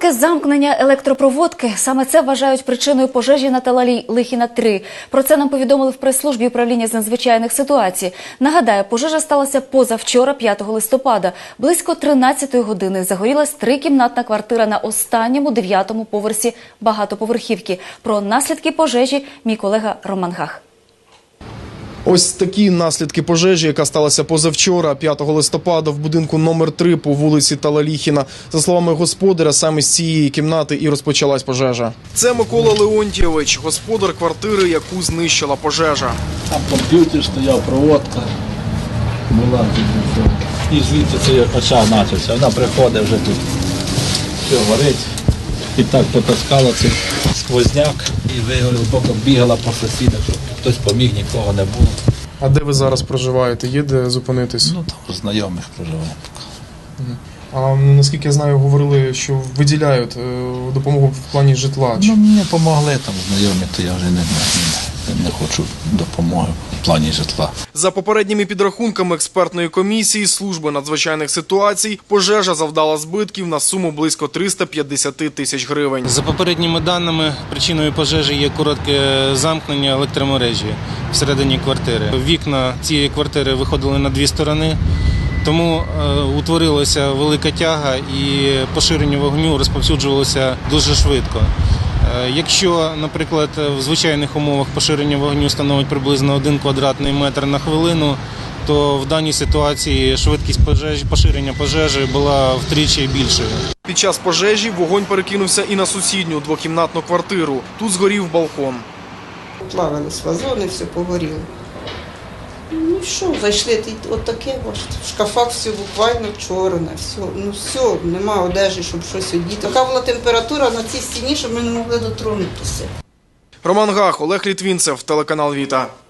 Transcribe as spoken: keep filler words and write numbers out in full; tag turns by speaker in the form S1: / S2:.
S1: Коротке замкнення електропроводки – саме це вважають причиною пожежі на Талалій Лихіна три. Про це нам повідомили в прес-службі управління з надзвичайних ситуацій. Нагадаю, пожежа сталася позавчора, п'ятого листопада. Близько тринадцятої години загорілась трикімнатна квартира на останньому, дев'ятому поверсі багатоповерхівки. Про наслідки пожежі мій колега Роман Гах.
S2: Ось такі наслідки пожежі, яка сталася позавчора, п'ятого листопада, в будинку номер три по вулиці Талаліхіна. За словами господаря, саме з цієї кімнати і розпочалась пожежа. Це Микола Леонтійович, господар квартири, яку знищила пожежа.
S3: Там комп'ютер стояв, проводка була. І звідти цей очаг почався. Вона приходить вже тут, все горить. І так потаскала цей сквозняк і вигорів, поки бігала по сусідах, щоб хтось поміг, нікого не було.
S2: А де ви зараз проживаєте? Є де зупинитись?
S3: Ну, там у знайомих проживаємо.
S2: А наскільки я знаю, говорили, що виділяють допомогу в плані житла.
S3: Ну, мені допомогли там знайомі, то я вже не, не, не хочу допомоги в плані житла.
S2: За попередніми підрахунками експертної комісії Служби надзвичайних ситуацій, пожежа завдала збитків на суму близько триста п'ятдесят тисяч гривень.
S4: За попередніми даними, причиною пожежі є коротке замкнення електромережі всередині квартири. Вікна цієї квартири виходили на дві сторони, тому е, утворилася велика тяга і поширення вогню розповсюджувалося дуже швидко. Е, якщо, наприклад, в звичайних умовах поширення вогню становить приблизно один квадратний метр на хвилину, то в даній ситуації швидкість пожежі, поширення пожежі була втричі більшою.
S2: Під час пожежі вогонь перекинувся і на сусідню двокімнатну квартиру. Тут згорів балкон.
S5: Плавились вазони, все погоріло. Ну що, зайшли, от таке, в шкафах все буквально чорне, все, ну все, нема одежі, щоб щось одіти. Така була температура на цій стіні, що ми не могли дотронутися.
S2: Роман Гах, Олег Літвінцев, телеканал Віта.